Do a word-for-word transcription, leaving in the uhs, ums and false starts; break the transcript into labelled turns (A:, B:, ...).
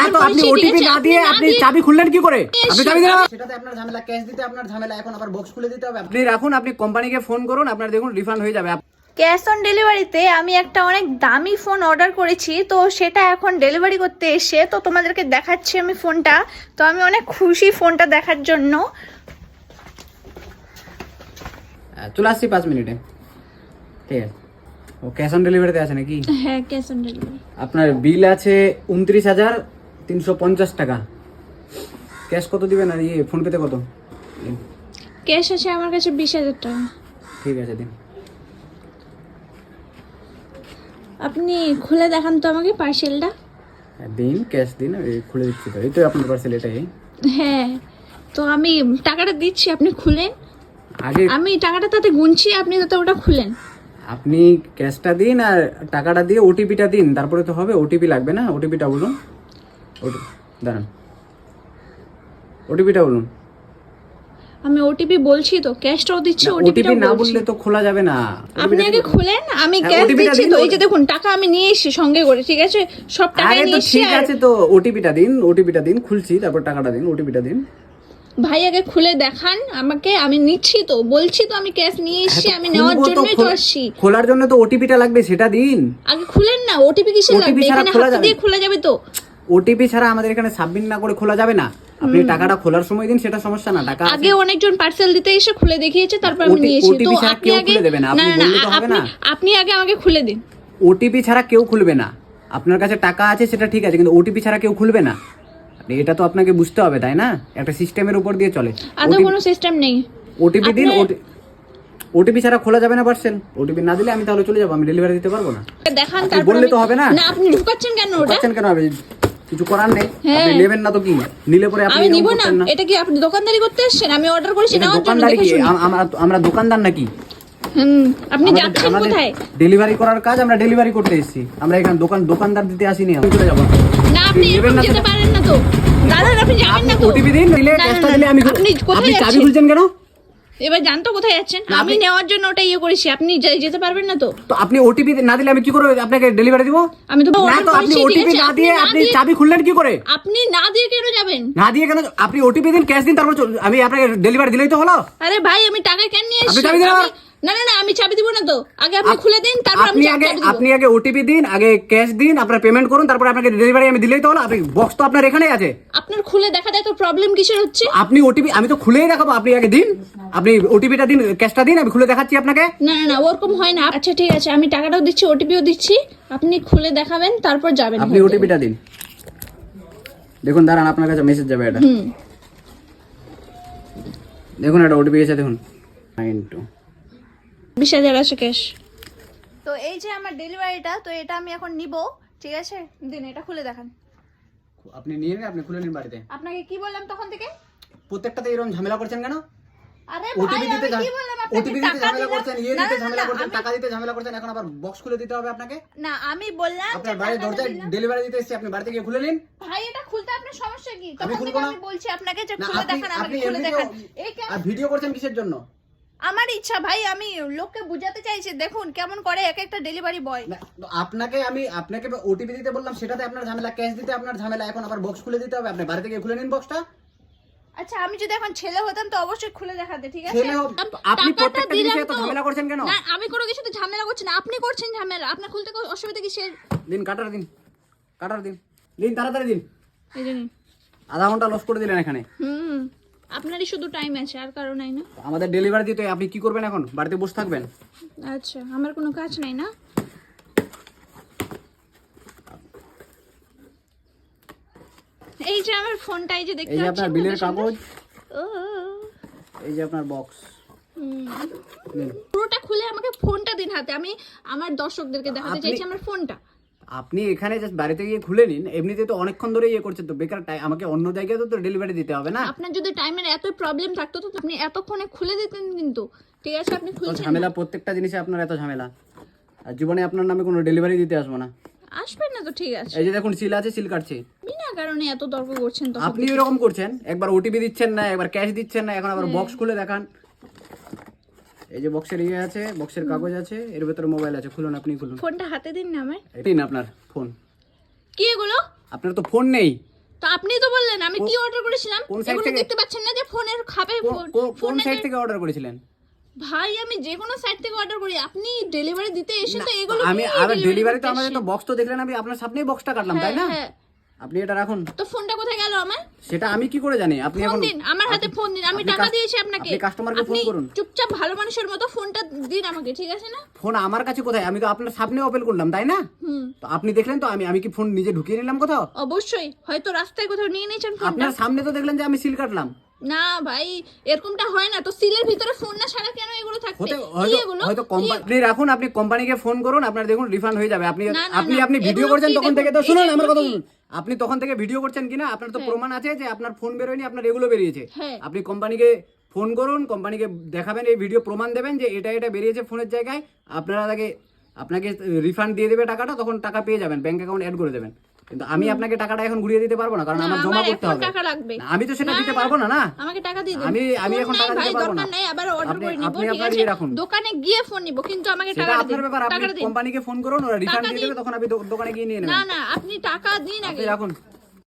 A: তো আপনি ওটিপি না দিয়ে আপনি চাবি খুললেন কি করে? আপনি চাবি দিন।
B: সেটাতে আপনার ঝামেলা, ক্যাশ দিতে আপনার ঝামেলা, এখন আবার বক্স খুলে দিতে হবে।
A: আপনি রাখুন, আপনি কোম্পানিকে ফোন করুন, আপনার দেখুন রিফান্ড হয়ে যাবে।
C: ক্যাশ অন ডেলিভারিতে আমি একটা অনেক দামি ফোন অর্ডার করেছি, তো সেটা এখন ডেলিভারি করতে এসে তো তোমাদেরকে দেখাচ্ছি আমি ফোনটা। তো আমি অনেক খুশি ফোনটা দেখার জন্য।
A: চলে আসছি পাঁচ মিনিটে, ঠিক আছে? ও ক্যাশ অন ডেলিভারিতে আছে নাকি?
C: হ্যাঁ, ক্যাশ অন ডেলিভারি।
A: আপনার বিল আছে উনত্রিশ হাজার তিনশো পঞ্চাশ টাকা। ক্যাশ কত দিবেন আর ইয়ে ফোনপেতে কত?
C: ক্যাশ আছে আমার কাছে বিশ হাজার টাকা।
A: ঠিক আছে দিন।
C: আপনি খুলে দেখান তো আমাকে পার্সেলটা।
A: দিন, ক্যাশ দিন, এই খুলে দিচ্ছি তো। এই তো আপনার পার্সেল, এটাই।
C: হ্যাঁ, তো আমি টাকাটা দিচ্ছি, আপনি খুলেন।
A: আগে
C: আমি টাকাটা তাতে গুনছি, আপনি তাতে ওটা খুলেন।
A: আপনি ক্যাশটা দিন আর টাকাটা দিয়ে ওটিপিটা দিন, তারপরে তো হবে। ওটিপি লাগবে না? ওটিপিটা বলুন। ওটি দাঁড়ান, ওটিপিটা বলুন।
C: আমি ওটিপি বলছি তো, ক্যাশটাও দিচ্ছি,
A: ওটিপি
C: ওটিপিটাও
A: না
C: বলছি।
A: বললে তো খোলা যাবে না।
C: আপনি আগে খুলেন, আমি
A: হ্যাঁ,
C: ক্যাশ
A: ওটিপিটা
C: দিচ্ছি
A: দিন।
C: তো। এই যে দেখুন, টাকা আমি নিয়ে এসেছি সঙ্গে করে, ঠিক আছে? সব টাকা
A: আরে
C: নিয়ে
A: তো
C: এসেছি।
A: ঠিক
C: আর
A: আছে, তো ওটিপিটা দিন, ওটিপিটা দিন, খুলছি, তারপর টাকাটা দিন, ওটিপিটা দিন।
C: ভাই আগে খুলে দেখান আমাকে, আমি নিচ্ছি তো, বলছি তো আমি ক্যাশ নিয়ে এসেছি, আমি নেওয়ার
A: খুলবো তো,
C: জন্যই তো
A: খোল-
C: আসছি।
A: খোলার জন্য তো ওটিপিটা লাগবে, সেটা দিন।
C: আগে খুলেন না, ওটিপি কিসের
A: ওটিপি
C: লাগবে?
A: ছাড়া
C: এখানে
A: খোলা
C: হাত
A: যাবে
C: দিয়ে খোলা যাবে তো।
A: ওটিপি ছাড়া আমাদের এখানে সাবমিট না করে খোলা যাবে না। আপনি টাকাটা খোলার সময় দিন, সেটা সমস্যা না। টাকা
C: আগে অনেকজন পার্সেল দিতে এসে খুলে দেখিয়েছে, তারপর আমি
A: ওটি-
C: নিয়েছি। তো
A: ওটিপি ছাড়া
C: আপনি
A: কেউ
C: আগে
A: খুলে দেবে না,
C: না
A: আপনি
C: না না,
A: বললে তো হবে
C: আপনি
A: না।
C: আপনি আগে আমাকে খুলে দিন।
A: ওটিপি ছাড়া কেউ খুলবে না। আপনার কাছে টাকা আছে সেটা ঠিক আছে, কিন্তু ওটিপি ছাড়া কেউ খুলবে না। আপনি এটা তো আপনাকে বুঝতে হবে, তাই না? একটা সিস্টেমের উপর দিয়ে চলে।
C: আদৌ কোনো সিস্টেম নেই।
A: ওটিপি দিন।
C: আপনি-
A: ওটিপি ছাড়া খোলা যাবে না পার্সেল। ওটিপি না দিলে আমি তাহলে চলে যাবো, আমি ডেলিভারি দিতে পারবো না।
C: দেখান,
A: আপনি
C: তারপর
A: বললে
C: আমি-
A: তো হবে না।
C: না, আপনি ঢুকাচ্ছেন কেন ওটা?
A: পাচ্ছেন কেন? আমি কিছু করার নেই।
C: হ্যাঁ।
A: আপনি নেবেন না তো কি? নিলে পরে আপনি
C: আমি
A: এরকম
C: নিব না।
A: করতেন না।
C: এটা কি আপনি দোকানদারি করতে এসেছেন? আমি অর্ডার করেছি
A: এটা
C: নেওয়ার জন্য,
A: দোকানদারি
C: দেখে
A: কি?
C: শুনে।
A: আম- আমরা আমরা দোকানদার নাকি?
C: হুম, আপনি যাচ্ছেন কোথায়?
A: ডেলিভারি করার কাজ আমরা ডেলিভারি করতে এসেছি। আমরা এখানে দোকান দোকানদার দিতে আসিনি। আমি চলে যাবো।
C: না, আপনি
A: নেবেন
C: এরকম
A: না
C: যেতে
A: তো?
C: পারেন না তো। দাদা, আপনি যাবেন না তো।
A: ওটিপি দিন, দিলে
C: না, না,
A: ক্যাশটা
C: না,
A: দিলে আমি
C: আপনি কোথায়
A: আপনি চাবি
C: যাচ্ছেন?
A: খুলছেন কেন?
C: এবার জানতো কোথায় যাচ্ছেন?
A: না,
C: আমি
A: আপনি-
C: নেওয়ার জন্য ওটা ইয়ে করেছি, আপনি যা- যেতে পারবেন না তো।
A: তো আপনি ওটিপি না দিলে আমি কি করে আপনাকে ডেলিভারি দিব?
C: আমি তো
A: না
C: order
A: তো আপনি
C: করেছি, ঠিক
A: ওটিপি
C: আছে?
A: না
C: আপনি
A: দিয়ে
C: না
A: আপনি
C: দিয়ে-
A: চাবি খুললেন কি করে?
C: আপনি না দিয়ে কেন যাবেন?
A: না দিয়ে কেন? আপনি ওটিপি দিন, ক্যাশ দিন, তারপর চল- আমি আপনাকে ডেলিভারি দিলেই তো হলো।
C: আরে ভাই, আমি টাকা কেন নিয়ে
A: আপনি
C: এসেছি?
A: চাবি দিন আমার।
C: আমি- না না না, আমি চাবি দিব না তো। আগে আপনি খুলে দিন, তারপর আমি
A: আপনি
C: চাবি
A: আগে
C: দিব।
A: আপনি আগে ওটিপি দিন, আগে ক্যাশ দিন, আপনার পেমেন্ট করুন, তারপর আপনাকে ডেলিভারি আমি দিলেই তো হলো। আপনি বক্স তো আপনার এখানেই আছে।
C: আপনার খুলে দেখা যায় তো, প্রবলেম কিসের হচ্ছে?
A: আপনি ওটিপি, আমি তো খুলেই দেখাবো। আপনি আগে দিন, আপনি ওটিপিটা দিন, ক্যাশটা দিন, আমি খুলে দেখাচ্ছি আপনাকে।
C: না না না, ওরকম হয় না। আচ্ছা ঠিক আছে, আমি টাকাটাও দিচ্ছি, ওটিপিও দিচ্ছি, আপনি খুলে দেখাবেন, তারপর যাবেন।
A: আপনি ওটিপিটা দিন। দেখুন, দাঁড়ান, আপনার কাছে মেসেজ যাবে এটা।
C: হুম,
A: দেখুন, এটা ওটিপি এসে দেখুন, নাইন টু।
C: বিশ হাজার আছে ক্যাশ। তো এই যে আমার ডেলিভারিটা, তো এটা আমি এখন নিব, ঠিক আছে? দিন, এটা খুলে দেখান।
A: আপনি নিয়ে নিন, আপনি খুলে নিন বাড়িতে।
C: আপনাকে কি বললাম তখন থেকে?
A: প্রত্যেকটাতে এরকম ঝামেলা করছেন কেন?
C: আরে
A: ওটিপি
C: ভাই,
A: দিতে
C: আমি কি বললাম আপনাকে?
A: ওটিপি দিতে
C: টাকা
A: ঝামেলা
C: দিলাম।
A: করছেন, ইয়ে
C: না,
A: দিতে
C: না, না,
A: ঝামেলা করছেন,
C: আমি-
A: টাকা দিতে ঝামেলা করছেন, এখন আবার বক্স খুলে দিতে হবে আপনাকে।
C: না, আমি বললাম যে
A: আপনার বাড়ির
C: টাকাটা
A: দরজায়
C: দিলাম।
A: ডেলিভারি দিতে এসেছি, আপনি বাড়িতে গিয়ে খুলে নিন।
C: ভাই, এটা খুলতে আপনার সমস্যা কি?
A: আমি
C: তখন
A: খুলবো
C: থেকে
A: না।
C: আমি বলছি আপনাকে যে
A: না,
C: খুলে
A: আপনি
C: দেখান, আমাকে
A: আপনি
C: খুলে
A: এমনিতেও
C: দেখান। এই কেন?
A: আর ভিডিও করছেন কিসের জন্য?
C: আমার ইচ্ছা ভাই, আমি লোককে বুঝাতে চাইছি, দেখুন কেমন করে এক একটা ডেলিভারি বয়।
A: না, তো আপনাকে আমি আপনাকে ওটিপি দিতে বললাম, সেটাতে আপনার ঝামেলা, ক্যাশ দিতে আপনার ঝামেলা, এখন আবার বক্স খুলে দিতে হবে। আপনি বাড়িতে গিয়ে খুলে নিন বক্সটা।
C: আচ্ছা, আমি যদি এখন ছেলে হতাম তো অবশ্যই খুলে দেখাতে, ঠিক আছে?
A: ছেলে হোক, আপনি
C: টাকাটা
A: প্রত্যেকটা জিনিসে
C: দিলাম
A: এত
C: তো।
A: ঝামেলা করছেন কেন?
C: না, আমি কোনো কিছুতে ঝামেলা করছি না, আপনি করছেন ঝামেলা। আপনার খুলতে কোনো অসুবিধা কিসের?
A: দিন, কাটার দিন, কাটার দিন, দিন তাড়াতাড়ি দিন।
C: এই জন্য
A: আধা ঘন্টা লস করে দিলেন এখানে।
C: হুম, আপনারই শুধু টাইম আছে, আর কারো নাই না?
A: আমাদের ডেলিভারি দিতে আপনি কি করবেন এখন? বাড়িতে বসে থাকবেন?
C: আচ্ছা, আমার কোনো কাজ নাই না? এই যে আমার ফোনটা, এই যে দেখতে
A: এই যে
C: পাচ্ছেন
A: আপনার বিলের
C: কত সুন্দর?
A: কাগজ,
C: ও,
A: এই যে আপনার বক্স।
C: হুম।
A: নিন।
C: পুরোটা খুলে আমাকে ফোনটা দিন হাতে, আমি আমার দর্শকদেরকে দেখাতে
A: আপনি-
C: চাইছি আমার ফোনটা।
A: আপনি এখানে জাস্ট বাড়িতে গিয়ে খুলে নিন। এমনিতে তো অনেকক্ষণ ধরে ইয়ে করছেন, তো বেকার টাইম, আমাকে অন্য জায়গায় তো ডেলিভারি দিতে হবে না।
C: আপনার যদি টাইমের এত প্রবলেম থাকতো তো আপনি এতক্ষণে খুলে দিতেন, কিন্তু ঠিক আছে আপনি
A: তো
C: খুলছেন
A: ঝামেলা,
C: না।
A: প্রত্যেকটা জিনিসে আপনার এত ঝামেলা। আর জীবনে আপনার নামে কোনো ডেলিভারি দিতে আসবো না।
C: আসবেন না তো, ঠিক আছে?
A: এই যে দেখুন, সিল আছে, সিল কাটছে।
C: বিনা কারণে এত তর্ক করছেন তো।
A: আপনি এরকম করছেন, একবার ওটিপি দিচ্ছেন না, একবার ক্যাশ দিচ্ছেন না, এখন আবার বক্স খুলে দেখান। এই যে বক্সের ইয়ে আছে, বক্সের কাগজ আছে, এর ভেতরে মোবাইল আছে। খুলুন, আপনি খুলুন।
C: ফোনটা হাতে দিন না আমার।
A: এটাই না আপনার ফোন?
C: কি এগুলো?
A: আপনার তো ফোন নেই।
C: তো আপনি তো বললেন আমি কি অর্ডার করেছিলাম,
A: কোন site
C: এগুলো
A: থেকে?
C: দেখতে পাচ্ছেন না যে ফোনের খাপে
A: কো-
C: ফোন-
A: কো- কোন
C: ফোনের-
A: সাইট থেকে অর্ডার করেছিলেন?
C: ভাই আমি যে কোনো সাইট থেকে অর্ডার করি, আপনি ডেলিভারি দিতে এসে তো এগুলো
A: আমি
C: কি
A: আর
C: delivery
A: ডেলিভারি তো
C: করতে
A: আমাদের তো
C: এসেছেন?
A: বক্স তো দেখলেন, আমি আপনার সামনেই বক্সটা কাটলাম, তাই না?
C: হ্যাঁ,
A: আপনি এটা রাখুন।
C: তো ফোনটা কোথায় গেল আমার?
A: সেটা আমি কি করে জানি? আপনি
C: ফোন
A: এখন
C: দিন, আমার হাতে ফোন দিন, আমি
A: আপনি
C: টাকা
A: কাস-
C: দিয়েছি আপনাকে।
A: আপনি কাস্টমারকে ফোন
C: আপনি
A: করুন।
C: চুপচাপ ভালো মানুষের মতো ফোনটা দিন আমাকে, ঠিক আছে না?
A: ফোন আমার কাছে কোথায়? আমি তো আপনার সামনে ওপেন করলাম, তাই না?
C: হুম,
A: তো আপনি দেখলেন তো আমি আমি কি ফোন নিজে ঢুকিয়ে নিলাম কোথাও?
C: অবশ্যই হয়তো রাস্তায় কোথাও নিয়ে নিয়েছেন ফোনটা।
A: আপনার সামনে তো দেখলেন যে আমি সিল কাটলাম।
C: না ভাই, এরকমটা হয় না তো। সিলের ভিতরে ফোন না ছাড়া কেন এগুলো থাকবে?
A: হতে
C: কি
A: হয়তো
C: এগুলো?
A: হয়তো কোম্পানি রাখুন, আপনি কোম্পানিকে ফোন করুন, আপনার দেখুন রিফান্ড হয়ে যাবে। আপনি
C: না, না,
A: আপনি
C: না,
A: আপনি ভিডিও
C: এগুলো
A: করছেন
C: কি
A: তখন
C: দেখুন,
A: থেকে তো
C: এই
A: শুনুন
C: যে
A: আমার কথা
C: এগুলো
A: শুনুন। আপনি তখন থেকে ভিডিও করছেন কিনা আপনার তো
C: হ্যাঁ।
A: প্রমাণ আছে যে আপনার ফোন বেরোয়নি, আপনার এগুলো বেরিয়েছে।
C: হ্যাঁ।
A: আপনি কোম্পানিকে ফোন করুন, কোম্পানিকে দেখাবেন এই ভিডিও প্রমাণ দেবেন যে এটা এটা বেরিয়েছে ফোনের জায়গায়, আপনারা তাকে আপনাকে রিফান্ড দিয়ে দেবে টাকাটা, তখন টাকা পেয়ে যাবেন, ব্যাংক অ্যাকাউন্ট অ্যাড করে দেবেন। কিন্তু আমি আপনাকে টাকাটা এখন ঘুরিয়ে দিতে পারবো না, কারণ
C: না,
A: আমার জমা
C: আমার
A: করতে
C: এখন
A: হবে।
C: টাকা লাগবে।
A: না, আমি তো সেটা
C: না,
A: দিতে
C: না,
A: পারবো না, না।
C: আমাকে টাকা দিয়ে দিন।
A: আমি আমি
C: ফোন
A: এখন
C: নাই
A: টাকা
C: ভাই,
A: দিতে পারবো না।
C: দরকার নাই, আবার অর্ডার
A: আপনি
C: করে নিব,
A: আপনি
C: ঠিক
A: আপনার
C: আছে?
A: ইয়ে রাখুন।
C: দোকানে গিয়ে ফোন নিব, কিন্তু আমাকে
A: সেটা
C: টাকা
A: আপনার
C: দিন।
A: ব্যাপার, আপনি
C: টাকাটা দিন।
A: কোম্পানিকে ফোন করুন, ওরা রিফান্ড
C: টাকা
A: দিয়ে
C: দিন।
A: দেবে, তখন আপনি দো- দোকানে গিয়ে নিয়ে
C: না
A: নেবেন।
C: না, আপনি টাকা দিন আগে।
A: আপনি রাখুন।